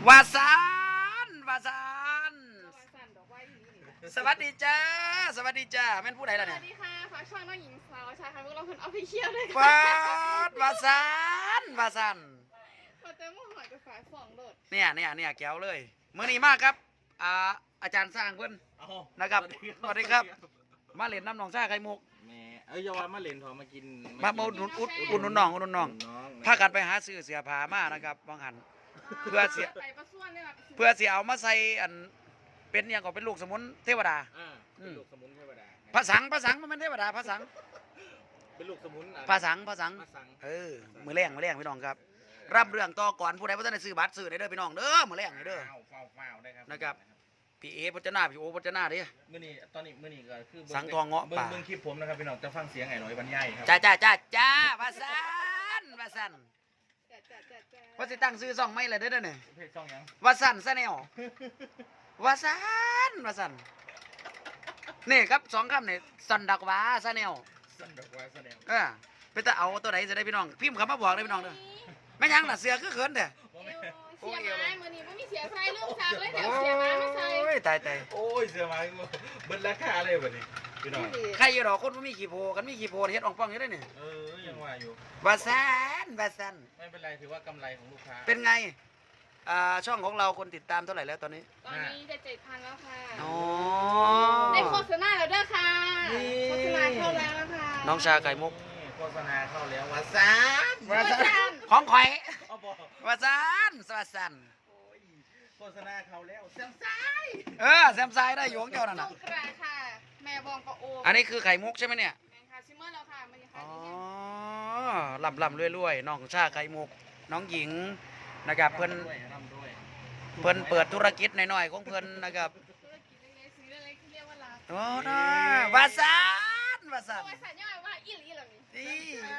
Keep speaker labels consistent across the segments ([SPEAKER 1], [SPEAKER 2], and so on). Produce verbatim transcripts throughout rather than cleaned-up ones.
[SPEAKER 1] วาซานวาซานสวัสดีจ้าสวัสดีจ้าแม่นผู้ใดล่ะเนี่ย
[SPEAKER 2] สวัสดีค่ะฝากช่องน้องหญิงสาวชายค่ะพวกเราคนออฟฟิเชียลด้วยค่ะ
[SPEAKER 1] วาดวาซานวาซาน
[SPEAKER 2] พอเต็มหอยกับฝายสองโดด
[SPEAKER 1] เนี่ยเนี่ยเนี่ยแก้วเลยมื้อนี้มากครับอ่าอาจารย์สร้างเพิ่นนะครับสวัสดีครับมาเล่นน้ำหนองซ่าไข่มุก
[SPEAKER 3] แม่เอ้ยอย่าว่ามาเล่นทอมากิน
[SPEAKER 1] มามาอุดหนุนอุดอุดหนุนน้องอุดหนุนน้องพากันไปหาซื้อเสื้อผ้ามานะครับบางหันเพื่อเสียเพื่อเสียเอามาใส่อันเป็นอย่างก็เป็นลูกสมุนเทวดา
[SPEAKER 3] เป็นลูกสมุนเทวดา
[SPEAKER 1] ภาษาภาษามันเป็นเทวดาภาษา
[SPEAKER 3] เป็นลูกสมุน
[SPEAKER 1] ภาษาภาษาเออมือแรงมือแรงพี่น้องครับรับเรื่องต่อก่อนผู้ใดผู้ท่านได้ซื้อบัตรซื้อได้เด้อพี่น้องเด้อมือแรงเด้อนะครับพี่เอพจนาพี่โอพจนาดิ
[SPEAKER 3] มื่อนี้ตอนนี้มื่อนี้ก็คือ
[SPEAKER 1] สังทองเงาะป่า
[SPEAKER 3] เบิ่งคลิปผมนะครับพี่น้องจะฟังเสียงไอ้หน่อยบรรยายครับ
[SPEAKER 1] จ้าจ้าจ้าจ้าภาษาภาษาว่าสิตั้งซื้อซ่องไม่เลยเด้อเนี่ย
[SPEAKER 3] เพจช่องยัง
[SPEAKER 1] วาสันซะแนววาสันวาสันนี่ครับสองคำเนี่ยสันดักวาซะแนว
[SPEAKER 3] สันดักวาซะแนว
[SPEAKER 1] เออไปแต่เอาตัวไหนจะได้พี่น้องพิมพ์คำมาบอกเลยพี่น้องเด้อไม่ยังน่ะเสือคือเขินเด้อ
[SPEAKER 2] เสียไม้มือนี้ไม่มีเสียไฟเรื่องซักเลยเดี๋ยวเสียไม้มาใส่
[SPEAKER 1] โอ้ยตายตาย
[SPEAKER 3] โอ้ยเสียไม้เบิดราคาเลยแบบนี้พี่น้อง
[SPEAKER 1] ใครอยู่หรอคนไม่มีขี้โพกันมีขี้โพเฮ็ดอ่องป้องอยู่ได้เนี่ย
[SPEAKER 3] เออยังว่าอยู่
[SPEAKER 1] วาสันวาสัน
[SPEAKER 3] ไม่เป็นไรถือว่ากำไรของลูกค้า
[SPEAKER 1] เป็นไงอ่าช่องของเราคนติดตามเท่าไหร่แล้วตอนนี้
[SPEAKER 2] ตอนนี้จะเจ็ดพันแล้วค่ะ
[SPEAKER 1] อ๋อ
[SPEAKER 2] ได้โฆษณาแล้วด้วยค่ะโฆษณาเข้าแล้วค่ะ
[SPEAKER 1] น้องชาไก่มุก
[SPEAKER 3] โฆษณาเข้าแล้ววาซัน
[SPEAKER 1] วาซันของข่อยวาซันสวัสดี
[SPEAKER 3] โฆษณาเข้าแล้วแซมไซ
[SPEAKER 1] เออแซมไซได้อยู่ของเจ้านั่นน่ะ
[SPEAKER 2] กระค่ะแม่บองกระโอ
[SPEAKER 1] อันนี้คือไข่มุกใช่ไหมเนี่ย
[SPEAKER 2] แม่ค่ะชิมเมอร์แล้วค่ะมัน
[SPEAKER 1] อ๋อลำลำรวยๆน้องชาไข่มุกน้องหญิงนะครับเพิ่นเพิ่นเปิดธุรกิจน้อยๆของเพิ่นนะครับ
[SPEAKER 2] ธุรกิจเล็กๆซื้อเล็กๆที่เรียกว่ารัก
[SPEAKER 1] โอ้น่าวาซันวาซัน
[SPEAKER 2] วาซันย่อยว่าอีหลีเหรอนี่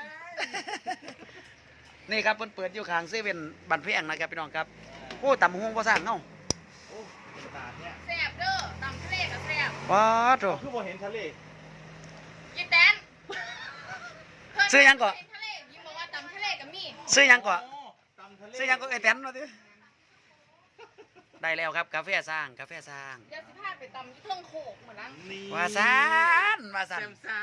[SPEAKER 1] นี่ครับเพิ่นเปิดอยู่ข้างเซเว่นบันเพียงนะครับพี่น้องครับโอ้ตำหุ้งภาษาเงา
[SPEAKER 2] แซ่บเด้อตำทะเลกับแซ่บ
[SPEAKER 1] ว้าวโถ
[SPEAKER 3] คือบ่เห็นทะเล
[SPEAKER 2] ยีแตน
[SPEAKER 1] ซื้อยังก่อน
[SPEAKER 2] ทะเลยิ้มบอกว่าตำทะเลกับมี
[SPEAKER 1] ซื้อยังก่อนซื้อยังก่อนไอ้แตนมาดิได้แล้วครับกาแฟสร้างกาแฟสร้าง
[SPEAKER 2] เดี๋ยวสิพาไปตำเครื่องโขกเหมือนนั้น
[SPEAKER 1] วาซันวาซัน
[SPEAKER 3] แซมไซ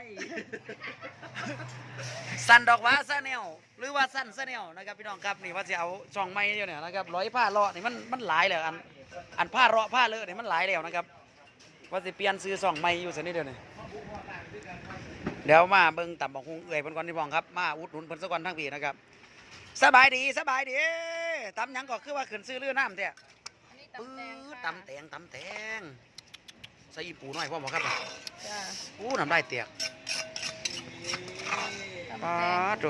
[SPEAKER 1] สันดอกวาซาแนวหรือว่าสันซาแนวนะครับพี่น้องครับนี่ว่าจะเอาช่องไม้เดียวเนี่ยนะครับร้อยผ้าเลาะนี่มันมันหลายแล้วอันอันผ้าเลาะผ้าเลอะนี่มันหลายแล้วนะครับว่าจะเปลี่ยนซื้อช่องไม้อยู่สักนิดเดียวนี่เดี๋ยวมาเบิ่งต่ำบอกคงเอื่อยเพิ่นก่อนที่บ้องครับมาอุดหนุนเพิ่นสักวันทั้งปีนะครับสบายดีสบายดีตำยังก็คือว่าขึ้นซื้อเรือน้ำเตี้ยปื้อตำแตงตำแตงใส่ปูหน่อยพ่อบอกครับปูน้ำได้เตียกปลาดู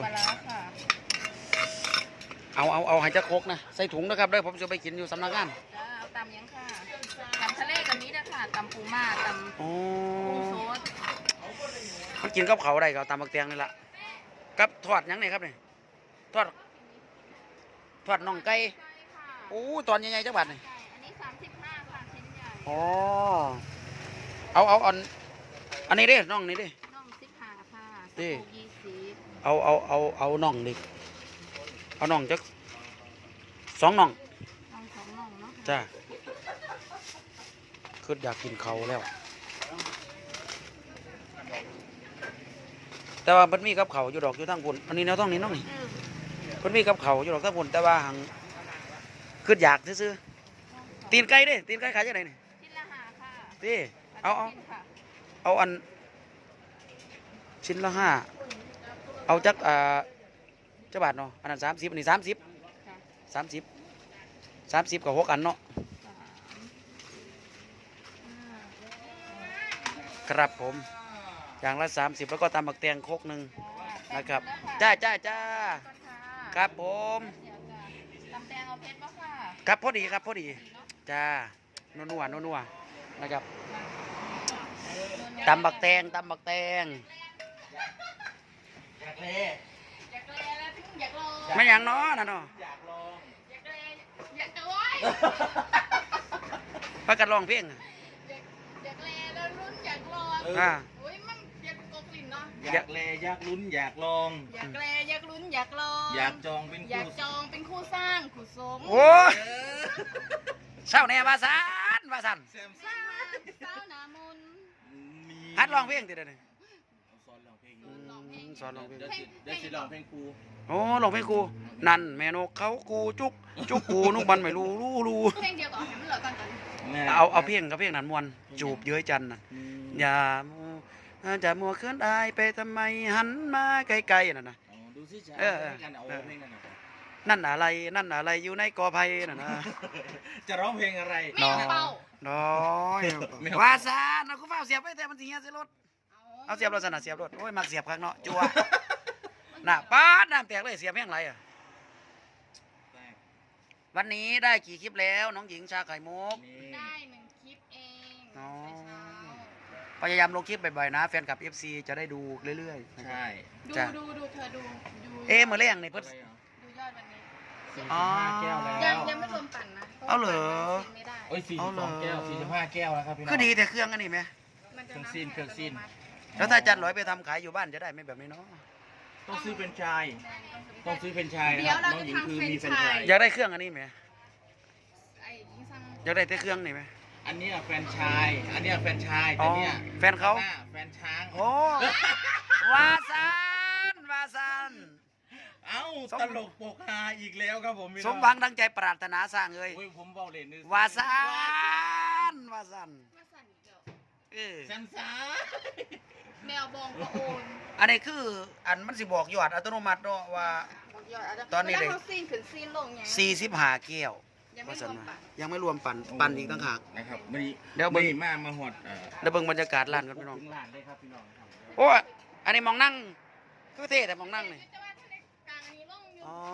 [SPEAKER 1] เอาเอาเอาให้เจ้าโคกนะใส่ถุงนะครับได้ผมจะไปกินอยู่สำนักงาน
[SPEAKER 2] เอาตำยังค่ะตำทะเลกับนี้นะค่ะตำปูม่าตำปูโซด
[SPEAKER 1] มันกินกับเขาได้ก็ตำบักแตงนี่แหละกับทอดยังไงครับเนี่ยทอดทอดน่องไก่โอ้ตอนใหญ่ๆจังหวัดนี่
[SPEAKER 2] อันนี้สามสิบห้าค่ะชิ้นใหญ่
[SPEAKER 1] อ๋อเอาเอาอันอันนี้ดิน่องนี่ดิ
[SPEAKER 2] น่องสิบห้าค่ะ
[SPEAKER 1] ดิ
[SPEAKER 2] ยี่สิบ
[SPEAKER 1] เอาเอาเอาเอาน่องดิเอาน่องจักสองน่อง
[SPEAKER 2] น่องสองน่องเนาะ
[SPEAKER 1] จ้าคืออยากกินเขาแล้วแต่ว่ามันมีกับเขาอยู่ดอกอยู่ทั้งบุญอันนี้แนวต้องนี้น้องนี่มันมีกับเขาอยู่ดอกทั้งบุญแต่ว่าหังคืออยากซื้อตีนไก่ดิตีนไก่ขายยังไงนี่
[SPEAKER 2] ชิ้นละห้าค่ะ
[SPEAKER 1] ดิเอาเอาเอาอันชิ้นละห้าเอาจักอ่าเจ้าบาทเนาะอันนั้นสามสิบอันนี้สามสิบสามสิบสามสิบกับหกอันเนาะครับผมอย่างละสามสิบแล้วก็ตำบักแตงโคกหนึ่งนะครับจ้าจ้าจ้าครับผม
[SPEAKER 2] ตำแตงเอาเพชรป่ะค่ะ
[SPEAKER 1] ครับพอดีครับพอดีจ้านัวนัวนัวนัวนะครับตำบักแตงตำบักแตง
[SPEAKER 3] อยากเล
[SPEAKER 2] อยากเลแล้วถึงอยากลอง
[SPEAKER 1] ไม่อย่างน้อนะเนาะ
[SPEAKER 3] อยากลอง
[SPEAKER 2] อยากเลอยากจะว้าย
[SPEAKER 1] พักกันลองเพลง
[SPEAKER 2] อยากอยากเลแล้วรุ่นอยากลอง
[SPEAKER 1] อ่า
[SPEAKER 2] โอ้ยมันอยากกบลิ่นเนาะ
[SPEAKER 3] อยากเลอยากลุ้นอยากลอง
[SPEAKER 2] อยากเลอยากลุ้นอยากลอง
[SPEAKER 3] อยากจองเป็น
[SPEAKER 2] อยากจองเป็นคู่สร้างคู่สม
[SPEAKER 1] โอ้เศร้าแน่ว่าซันว่าซัน
[SPEAKER 3] แซมซ่า
[SPEAKER 2] เศร้าหนามน
[SPEAKER 1] ฮัดร้องเพลงติเด้อนี่
[SPEAKER 3] สอนร้องเพลง
[SPEAKER 2] ร้องเพลง
[SPEAKER 1] สอนร้องเพลง
[SPEAKER 3] เดี๋ยวสิเดี๋ยวสิร้องเพลงครู
[SPEAKER 1] โอ้ร้องเพลงกูนั่นแม่นกเขากูจุกจุกกูนุกมันไม่รู้รู้รู้
[SPEAKER 2] เพลงเดียวก่อนให้มันเหลือก่อนก่อน
[SPEAKER 1] เอาเอาเพลงกับเพลงนั้นมวนจูบเย้ยจันน่ะอย่ามัวจะมัวเคลื่อนอายไปทำไมหันมาไกลๆน่ะนะ
[SPEAKER 3] ดูสิจ้า
[SPEAKER 1] เออ
[SPEAKER 3] กันเอาเพลงนั้นน่ะ
[SPEAKER 1] นั่นอะไรนั่นอะไรอยู่ในกอไผ่น่ะนะ
[SPEAKER 3] จะร้องเพลงอะไร
[SPEAKER 2] แม่เป่า
[SPEAKER 1] น้อย
[SPEAKER 3] ไม่เอา
[SPEAKER 1] ว่าซะนะกูเฝ้าเสียบไปแต่มันสิเฮียเสียรถเอาเสียบรถสนะเสียบรถโอ้ยมักเสียบข้างเนาะจัวน่ะป๊าดน้ำแตกเลยเสียบแม่งไรอ่ะวันนี้ได้กี่คลิปแล้วน้องหญิงชาไข่มุก
[SPEAKER 3] นี่
[SPEAKER 2] ได้หนึ่งคลิปเอง
[SPEAKER 1] อ๋อ
[SPEAKER 2] เช้า
[SPEAKER 1] พยายามลงคลิปบ่อยๆนะแฟนคลับ เอฟ ซี จะได้ดูเรื่อยๆนะครับ
[SPEAKER 3] ใช่
[SPEAKER 2] ดู
[SPEAKER 1] จ้ะ
[SPEAKER 2] ดูดูเธอดูดู
[SPEAKER 1] เอ๊ะมื้อแรงนี่เพิ่น
[SPEAKER 2] ดูยอดวันนี้
[SPEAKER 3] สี่
[SPEAKER 1] อ๋
[SPEAKER 3] สิ
[SPEAKER 1] อ
[SPEAKER 3] บห้าแก้วแล้ว
[SPEAKER 2] ยังยังไม่รวมปั่นนะพะ
[SPEAKER 1] เอาเหรอ
[SPEAKER 2] ปั่นไม่ได้
[SPEAKER 3] โอ้ยสี่
[SPEAKER 1] เอา
[SPEAKER 3] สิบ
[SPEAKER 1] เหร
[SPEAKER 3] ส
[SPEAKER 1] อ
[SPEAKER 3] องแก้วสี่สิบห้าแก้วแล้วครับพี่น้อง
[SPEAKER 1] คือดีแต่เครื่องอันนี้ไหม
[SPEAKER 2] มันจะ
[SPEAKER 3] เครื่องซีนเครื่องซีน
[SPEAKER 1] แล้วถ้าอาจันร้อยไปทำขายอยู่บ้านจะได้ไหมแบบนี้เนาะ
[SPEAKER 3] ต้องซื้อเป็นไชายต้องซื้อเป็นไชายนะ
[SPEAKER 2] เดี๋
[SPEAKER 3] ค
[SPEAKER 2] ยว
[SPEAKER 3] รับ
[SPEAKER 2] เรา
[SPEAKER 3] น้อง
[SPEAKER 2] จะ
[SPEAKER 3] หญิง
[SPEAKER 2] ทำ
[SPEAKER 3] คือ
[SPEAKER 2] เฟรน
[SPEAKER 3] มี
[SPEAKER 2] ช์
[SPEAKER 3] เป็น
[SPEAKER 2] ชา
[SPEAKER 3] ไชาย ย
[SPEAKER 1] อยากได้เครื่องอันนี้ไหม
[SPEAKER 2] ไอ้ยิ่งสั่ง
[SPEAKER 1] อยากได้แต่เครื่องนี่ไหม
[SPEAKER 3] อันเนี้ยแฟรนไชายอันเนี้ยแฟรนไชาย
[SPEAKER 1] อ๋
[SPEAKER 3] แต่
[SPEAKER 1] อ
[SPEAKER 3] เนี้ย
[SPEAKER 1] แฟนเขา
[SPEAKER 3] หน้าแฟนช้าง
[SPEAKER 1] โอ้วาซันวาซัน
[SPEAKER 3] เอ้า
[SPEAKER 1] สม
[SPEAKER 3] ตลกโปกฮาอีกแล้วครับผมพี่
[SPEAKER 1] ส
[SPEAKER 3] น้อ
[SPEAKER 1] มหวังดังใจปรารถนาสร้างเลย
[SPEAKER 3] โอ้ยผมเบาเล่นนึ
[SPEAKER 1] วาซันวาซัน
[SPEAKER 2] มาสั่นอีกแล้ว
[SPEAKER 1] เออ
[SPEAKER 3] แซมซ่า
[SPEAKER 2] แมวบองก็โอน
[SPEAKER 1] อันนี้คืออันมันสิบอกยอดอัตโนมัติเนาะว่า
[SPEAKER 2] บอกยอดอาจจะ
[SPEAKER 1] ตอนนี้
[SPEAKER 2] เว
[SPEAKER 1] เลย
[SPEAKER 2] ลาเขาซีนขึ้นซีนลงไง
[SPEAKER 1] สี่สิบห้าแก้ว
[SPEAKER 2] ยังไม่
[SPEAKER 1] ว่าร ซั่
[SPEAKER 2] วน ม
[SPEAKER 1] ว่า
[SPEAKER 2] ปั่น
[SPEAKER 1] ยังไม่รวมปั่นปั่นอีกต่างหาก
[SPEAKER 3] นะครับวันนี้
[SPEAKER 1] เดี๋ยวเบิ่ง
[SPEAKER 3] นี่มามาหอดเอ่อ
[SPEAKER 1] แล้วเบิ่งบรรยากาศร้านกันพี่น้อง
[SPEAKER 3] ถึงร้านเลยครับพี่น้องครับ
[SPEAKER 1] โอ้ยอันนี้มองนั่งคือเท่แต่มองนั่งนี่
[SPEAKER 2] แต่ว่าถ้าในกลางอันนี้ลงอยู่
[SPEAKER 1] อ๋อ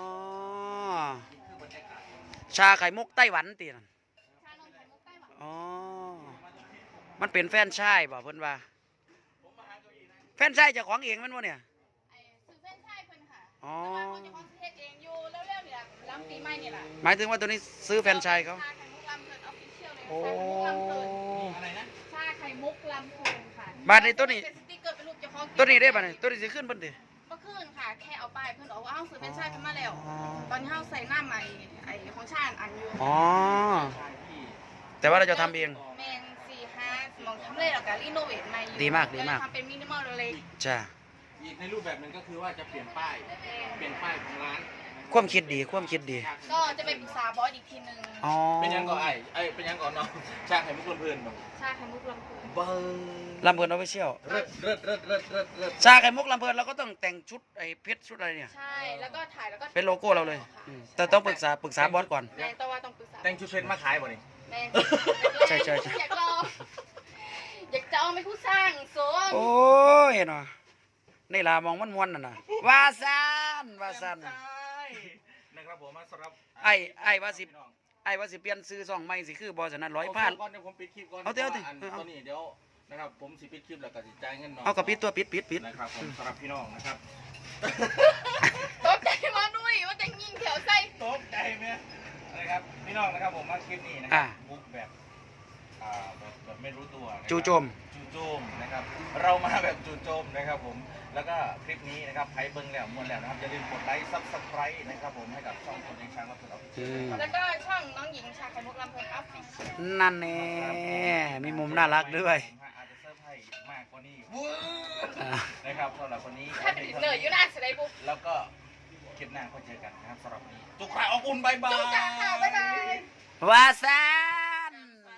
[SPEAKER 1] ชาไข่มุกไต้หวันตีนั่น
[SPEAKER 2] ชานมไข่มุกไต้หวัน
[SPEAKER 1] อ๋อมันเป็นแฟรนไชายบ่เพิ่นว่าแฟรนไชายเจ้าของเองแมันบ่เนี่ย
[SPEAKER 2] ไอ้ซื้อเส้นชายเพิ่นค่ะ
[SPEAKER 1] อ๋อ
[SPEAKER 2] แต่ว่าคนจะคอนเทนเองอยู่เร็วๆนี่แหละล้ำปีใหม่นี่แหละ
[SPEAKER 1] หมายถึงว่าตัวนี้ซื้อแฟรนไชายเขา
[SPEAKER 2] ชาไข่มุกลำเพลินออฟฟิเชียลเลย
[SPEAKER 1] โอ้
[SPEAKER 2] ชาไข่มุกลำเพลิน
[SPEAKER 3] อะไรนะ
[SPEAKER 2] ชาไข่มุกลำเพลินค่ะ
[SPEAKER 1] บาทนี้ตัวนี้
[SPEAKER 2] เป็นสติ๊กเกอร์เป็นรูปเจ้าของ
[SPEAKER 1] ตัวนี้ได้ป่ะเนี่ยตัวนี้สิขึ้นเพิ่นติ
[SPEAKER 2] ก็ขึ้นค่ะ แค่เอาไปเพิ่นบอกว่าเอ้าซื้อเป็นชายเพิ่นมาแล้ว
[SPEAKER 1] อ๋อ
[SPEAKER 2] ตอนที่เฮาใส่หน้าใหม่ไอ้ของชาอันอยู่
[SPEAKER 1] อ๋อ
[SPEAKER 3] ใช่พี่
[SPEAKER 1] แต่ว่าเราจะทำเอง
[SPEAKER 2] แมนสี่ห้ามองทำเลแล้วก็รีโนเวทใหม่อยู่
[SPEAKER 1] ดีมากดีมาก
[SPEAKER 2] ทำเป็นมินิมอลเล็ก
[SPEAKER 1] จ้า
[SPEAKER 3] อีกในรูปแบบหนึงก็คือว่าจะเปลี่ยนป้าย เปลี่ยนป้ายของร้าน
[SPEAKER 1] ความคิดดีความคิดดี
[SPEAKER 2] ก็จะไปปรึกษาบอสอีกทีนึง
[SPEAKER 1] อ๋อ
[SPEAKER 3] เป็นยังก่อนไอ้ไอ้เป็นยังก่อนเนาะชาไข่มุกเพื่อนๆแบบ
[SPEAKER 2] ชาไข่มุกลำพูน
[SPEAKER 3] เบิ้ง
[SPEAKER 1] ลำเพลินออฟฟิเชียล
[SPEAKER 3] เริดเริดเริดเริดเริดเริด
[SPEAKER 1] ชาไข่มุกลำเพลินเราก็ต้องแต่งชุดไอ้เพชรชุดอะไรเนี่ย
[SPEAKER 2] ใช่แล้วก็ถ่ายแล้วก็
[SPEAKER 1] เป็นโลโก้เราเลยอืมแต่ต้องปรึกษาปรึกษาบอสก่อน
[SPEAKER 2] แม่แต่ว่าต้องปรึกษา
[SPEAKER 3] แต่งชุดเฟรนมาขายบ่นี่
[SPEAKER 2] แม่
[SPEAKER 1] ใช่ใช่ใช่
[SPEAKER 2] อยากลองอยากจะเอาไปผู้สร้างโซน
[SPEAKER 1] โอ้ยเนาะนี่ล่ะมองมันมวนน่ะนะว่าซันว่าซัน
[SPEAKER 3] ใช่นะครับผมมาสำหรับ
[SPEAKER 1] ไอ้ไอ้ว่าสิ ไอ้ว่าสิเปลี่ยนซื้อซองใหม่สิคือบอสนั้นร้อย
[SPEAKER 3] เอา
[SPEAKER 1] ผ้า
[SPEAKER 3] ก่อนเดี๋ยวผมปิดคลิปก่อน
[SPEAKER 1] เอาเถอะเอาเถอะ
[SPEAKER 3] พราะว่าอัน
[SPEAKER 1] เอา
[SPEAKER 3] ตัวนี้เดี๋ยวนะครับผมสิปิดคลิปแล้วก็สิจ่ายเงินน้อง
[SPEAKER 1] เอากระปิดตัวปิดปิดปิด
[SPEAKER 3] นะครับผมสำหรับพี่น้องนะครับ
[SPEAKER 2] ตกใจมาด้วยว่าจะยิงแถวไส้
[SPEAKER 3] ตกใจไหมนะครับพี่น้องนะครับผมมาคลิปนี้นะค
[SPEAKER 1] อ่า
[SPEAKER 3] รับุ๊กแบบอ่าแบบแบบไม่รู้ตัวนะครับ
[SPEAKER 1] จู่โจม
[SPEAKER 3] จู่โจมนะครับเรามาแบบจู่โจมนะครับผมแล้วก็คลิปนี้นะครับใครเบิ้งแล้วมวนแล้วนะครับอย่าลืมกดไลค์ซับสไครต์นะครับผมให้กับช่องคนเลี้ยงช้างรับผิดชอบ
[SPEAKER 1] อืม
[SPEAKER 2] แล้วก็ช่องน้องหญิงชาไข่มุกลำเพลินออฟฟิเชียล
[SPEAKER 1] นั่นแน่มีมุมน่ารักด้วย
[SPEAKER 3] อาจจะเซอร์ไพรส์มากกว่านี้
[SPEAKER 1] อ่า
[SPEAKER 3] นะครับสำหรับวันนี้
[SPEAKER 2] ถ้าเป็นเหนื่อยอยู่หน้าเสยดายปุ๊บ
[SPEAKER 3] แล้วก็คลิปหน้าก็เจอกันนะครับสำหรับวันนี้จุกขาออกอุ่นบายบาย
[SPEAKER 2] จุกขาค่ะบ๊ายบาย
[SPEAKER 1] ว่าซัน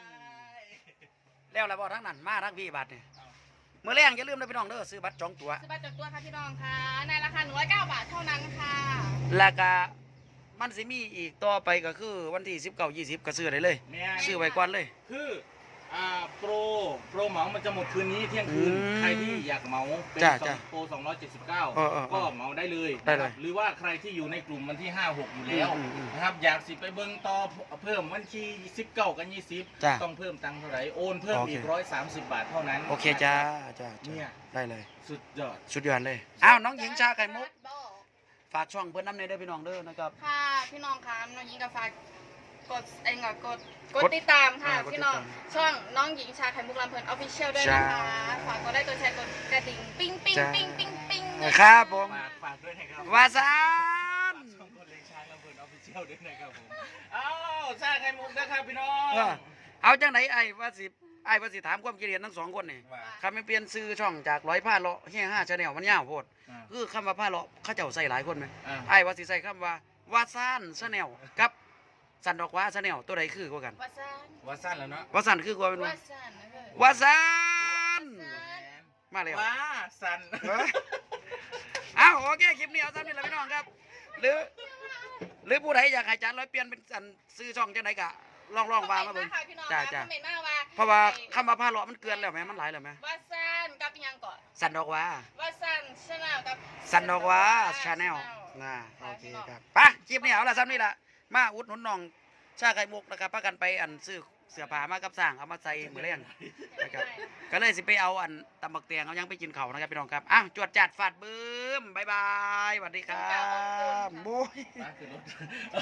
[SPEAKER 1] แล้วแล้วบอทั้งนั้นมาทั้งพี่บัตรเนี่ยเมื่อแรงอย่าลืมนะพี่น้องเด้อซื้อบัตรจองตั๋ว
[SPEAKER 2] ซื้อบัตรจองตัวค่ะพี่น้องค่ะในราคาหนึ่งร้อยเก้าบาทเท่านั้นค่ะ
[SPEAKER 1] แล้วก็มันสิมีอีกต่อไปก็คือวันที่สิบเก้ายี่สิบก็ซื้อได้เลย
[SPEAKER 3] แม่
[SPEAKER 1] ซื้อไว้ก่อนเลย
[SPEAKER 3] คืออ่าโปรโปรเหมามันจะหมดคืนนี้เที่ยงคืน
[SPEAKER 1] อืม
[SPEAKER 3] ใครที่อยากเหมาเป็น
[SPEAKER 1] จ้ะ
[SPEAKER 3] สอง
[SPEAKER 1] จ้ะ
[SPEAKER 3] โปรสองร้อยเจ็ดสิบเก้า
[SPEAKER 1] เออเออเออ
[SPEAKER 3] ก็เหมาได้เลย
[SPEAKER 1] ได้เลย
[SPEAKER 3] นะครับหรือว่าใครที่อยู่ในกลุ่มวันที่ห้าหกอยู่แล้ว
[SPEAKER 1] อืมอืม
[SPEAKER 3] นะครับอยากสิไปเบิ้งต่อเพิ่มวันที่สิบเก้ากันยี่สิบ
[SPEAKER 1] จ้ะ
[SPEAKER 3] ต้องเพิ่มตังค์เท่าไหร่โอนเพิ่ม
[SPEAKER 1] โอเค
[SPEAKER 3] อีกร้อยสามสิบบาทเท่านั้น
[SPEAKER 1] โอเคจ้าจ้า
[SPEAKER 3] เนี่
[SPEAKER 1] จ้าย ได้เลย
[SPEAKER 3] สุดยอด
[SPEAKER 1] สุดยอดเลยอ้าวน้องหญิงชาไข่มุกฝากช่องเพื่อนน้ำในเด้อพี่น้องเด้อนะครับ
[SPEAKER 2] ค่ะพี่น้องคะน้องหญิงกับฝากกดเองก็กดกด
[SPEAKER 1] กด
[SPEAKER 2] ติดตามค่ะ
[SPEAKER 1] อ่ากดติดตาม
[SPEAKER 2] พี่น้องช่องน้องหญิงชาไข่มุกลำเพลินออฟฟิเชียลด้วยนะคะ
[SPEAKER 1] จ้า
[SPEAKER 2] ฝากกดได้ตัวแชร์กดกระดิ่งปิ้งปิ้ง
[SPEAKER 1] จ้า
[SPEAKER 2] ปิ้งปิ้งปิ้ง
[SPEAKER 1] ครับผม
[SPEAKER 3] ฝากฝากด้วยนะครับ
[SPEAKER 1] ว่าซัน
[SPEAKER 3] ช่องคนเลี้ยงช้างลำเพลินออฟฟิเชียลที่ยวด้วยนะครับผมเอ้าชาไข่มุกนะครับพี่น้อง
[SPEAKER 1] เออเอาจังไหนไอ้ว่าสิไอ้ว่าสิถามความคิดเห็นทั้งสองคนนี่
[SPEAKER 3] ว่า
[SPEAKER 1] คำไม่เปลี่ยนซื้อช่องจากร้อยผ้าเลาะเฮียห้าชาแนลมันยาวโพด
[SPEAKER 3] อ่า
[SPEAKER 1] คือคำว่าผ้าเลาะเขาเจ้าใส่หลายคนไหม
[SPEAKER 3] อ่า
[SPEAKER 1] ไอ้ว่าสิใส่คำว่าวาซานชาแนลกับสันดอกว่าชาแนลตัวใดคือกว่ากัน
[SPEAKER 2] วาซาน
[SPEAKER 3] ว่าสั้นแล้วเนาะ
[SPEAKER 1] วาซันคือกว่าเป็น
[SPEAKER 2] วา
[SPEAKER 1] ว่า
[SPEAKER 2] ซานนะเฮ้ย
[SPEAKER 1] วาซานมาแล้ว
[SPEAKER 3] ว่าสั้น
[SPEAKER 1] เอ้ยอ้าวโอเคคลิปนี้เอาซ้ำนี่แหละพี่น้องครับ หรือ หรือผู้ใดอยากให้จานร้อยเปลี่ยนเป็นอันซื้อช่องจังไดกะลองลองวางมาเบิ่ง จ้า
[SPEAKER 2] จ้า
[SPEAKER 1] จ้า
[SPEAKER 2] คอมเมนต์มาว่า
[SPEAKER 1] เพราะว่าคำว่าผ้าเลาะมันเกินแล้วไหมมันหลายแล้วไหม
[SPEAKER 2] วาซานกับอิหยังก่อน
[SPEAKER 1] สันดอกว่า
[SPEAKER 2] วาซานชาแนลกับ
[SPEAKER 1] สันดอกว่าชาแนลนะโอเคครับไปคลิปนี้เอาละซ้ำนี่ละมาอุดหนุนน้องชาไข่มุกนะครับพากันไปอันซื้อเสื้อผ้ามากับสร้างเอามาใส่มือเลี้ยงนะครับก็เลยสิไปเอาอันตำบักเตียงเอายังไปกินเขาวนะครับพี่น้องครับอ้าวจวดจัดฟาดบึ้มบายบายสวัสดีครับบุ้ย
[SPEAKER 3] มาคือรถ